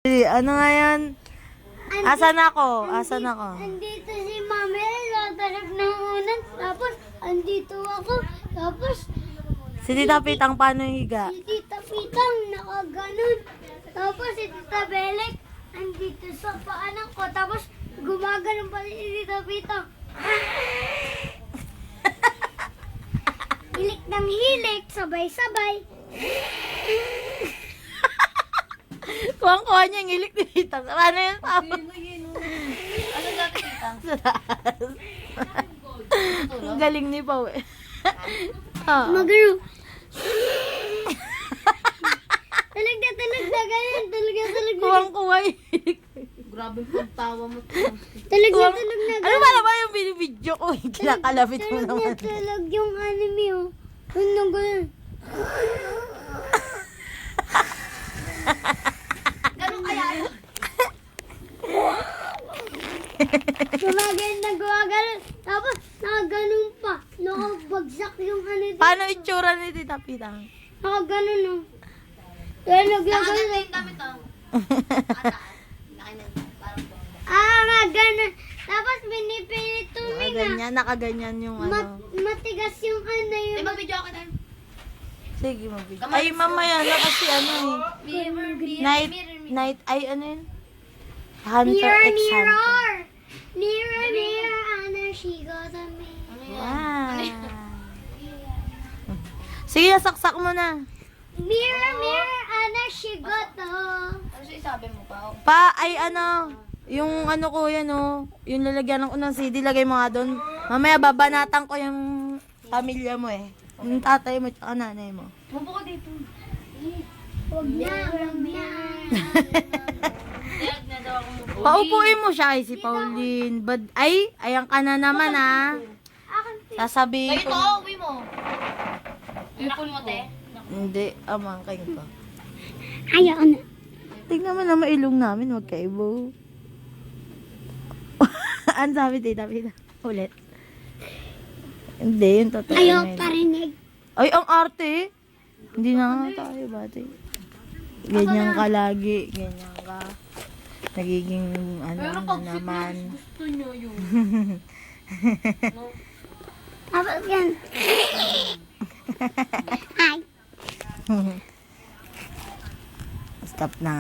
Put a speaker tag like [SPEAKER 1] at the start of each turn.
[SPEAKER 1] Ano nga yan? Asan ako? Asan ako?
[SPEAKER 2] Andito si Mami, latarap ng unan. Tapos, andito ako. Tapos,
[SPEAKER 1] Si Tita Pitang paano higa?
[SPEAKER 2] si Tita Pitang nakaganon. Tapos, si Tita Belek, andito sa paanan ko. Tapos, gumaganon pa si Tita Pitang. Hilik ng hilik, sabay-sabay.
[SPEAKER 1] Kuwang-kuha niya yung ilik ni Pitang. Paano yun, Papa?
[SPEAKER 3] Ano dati kita?
[SPEAKER 1] Sa taas. Ang galing ni Pao eh. Oh.
[SPEAKER 2] Magano. Talaga ganyan. Talaga.
[SPEAKER 1] Kuwang-kuha yung ilik.
[SPEAKER 3] Grabe pagtawa mo.
[SPEAKER 2] Talaga
[SPEAKER 1] Kuwang...
[SPEAKER 2] na
[SPEAKER 1] Ano ba naman yung binibidyo ko? Kinakalapit mo naman.
[SPEAKER 2] Talag yung anime oh. Ano ganyan?
[SPEAKER 3] Ganun kaya yun?
[SPEAKER 2] Gumagano'n. Tapos, nakaganon pa. Nakabagsak yung ano dito.
[SPEAKER 1] Paano itsura ni Tita Pitang?
[SPEAKER 2] Nakaganon oh. Kaya
[SPEAKER 3] Nakaganda
[SPEAKER 2] nagyaganon.
[SPEAKER 3] yung damit ang.
[SPEAKER 2] Nga ganon. Tapos, pinipilit tuminga.
[SPEAKER 1] Nakaganyan yung ano.
[SPEAKER 2] Matigas yung ano
[SPEAKER 3] Di
[SPEAKER 2] yung...
[SPEAKER 3] ba video ako tayo?
[SPEAKER 1] Sige, mabigyan. Ay, mamaya na kasi ano eh. Night, ay ano yun? Hunter
[SPEAKER 2] Mirror,
[SPEAKER 1] x Hunter.
[SPEAKER 2] mirror. Mirror, ano, she got a me.
[SPEAKER 1] Wow. Sige, saksak mo na.
[SPEAKER 2] Mirror, ano, she got a...
[SPEAKER 3] Ano siya isabi mo pa?
[SPEAKER 1] Ay ano, yung ano ko yan oh, yung lalagyan ko ng CD, lagay mo nga doon. Mamaya babanatan ko yung pamilya mo eh. Yung tatay mo at nanay mo.
[SPEAKER 3] Mubo ko dito.
[SPEAKER 2] Huwag na.
[SPEAKER 3] Dad, na daw ako mubo.
[SPEAKER 1] Paupuin mo siya ay si Pauline. Ay, ayan ka na naman ah. Sasabihin
[SPEAKER 3] Kayo to,
[SPEAKER 1] ko.
[SPEAKER 3] uwi mo. Ipon mo, te.
[SPEAKER 1] Hindi, amangkin ko.
[SPEAKER 2] Ayaw na.
[SPEAKER 1] Tignan mo na mailong namin, magkaibo. Ano sabi, Tita Pita? Ulit. Hindi, yung totoo.
[SPEAKER 2] Ayaw
[SPEAKER 1] na yun.
[SPEAKER 2] parinig.
[SPEAKER 1] Ay, ang arte. Hindi na nga tayo, bati. Ganyan ka lagi. Ganyan ka. Nagiging, ano na naman.
[SPEAKER 3] Gusto nyo yun.
[SPEAKER 2] Tapos yan. Hi.
[SPEAKER 1] Stop na.